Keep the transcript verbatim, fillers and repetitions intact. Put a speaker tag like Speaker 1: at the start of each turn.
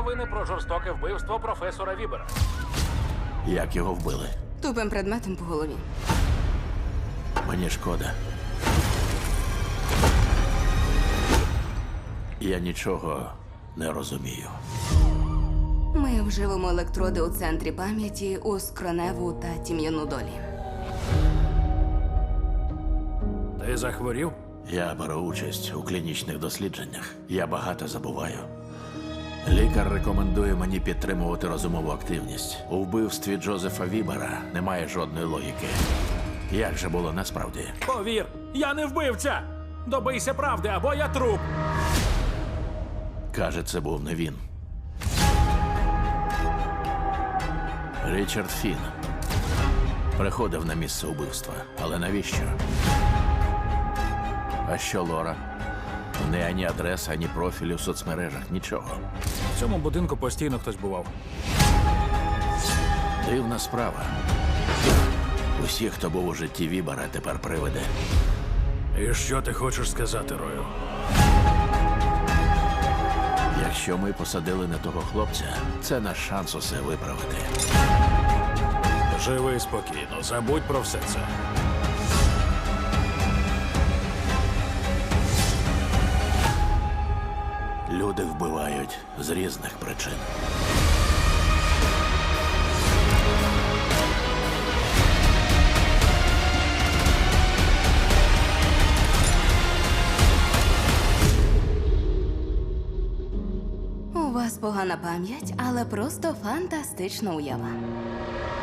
Speaker 1: новини про жорстоке вбивство професора Вібера.
Speaker 2: Як його вбили?
Speaker 3: Тупим предметом по голові.
Speaker 2: Мені шкода. Я нічого не розумію.
Speaker 3: Ми вживемо електроди у центрі пам'яті у скроневу та тім'яну долі.
Speaker 1: Ти захворів?
Speaker 2: Я беру участь у клінічних дослідженнях. Я багато забуваю. Лікар рекомендує мені підтримувати розумову активність. У вбивстві Джозефа Вібера немає жодної логіки. Як же було насправді?
Speaker 1: Повір, я не вбивця! Добийся правди, або я труп!
Speaker 2: Каже, це був не він. Річард Фін приходив на місце убивства. Але навіщо? А що Лора? У неї ані адреса, ані профілю в соцмережах, нічого.
Speaker 1: В цьому будинку постійно хтось бував.
Speaker 2: Дивна справа. Усі, хто був у житті Вібера, тепер привиди.
Speaker 1: І що ти хочеш сказати, Рою?
Speaker 2: Якщо ми посадили не того хлопця, це наш шанс усе виправити.
Speaker 1: Живи спокійно, забудь про все це.
Speaker 2: Люди вбивають з різних причин.
Speaker 3: У вас погана пам'ять, але просто фантастична уява.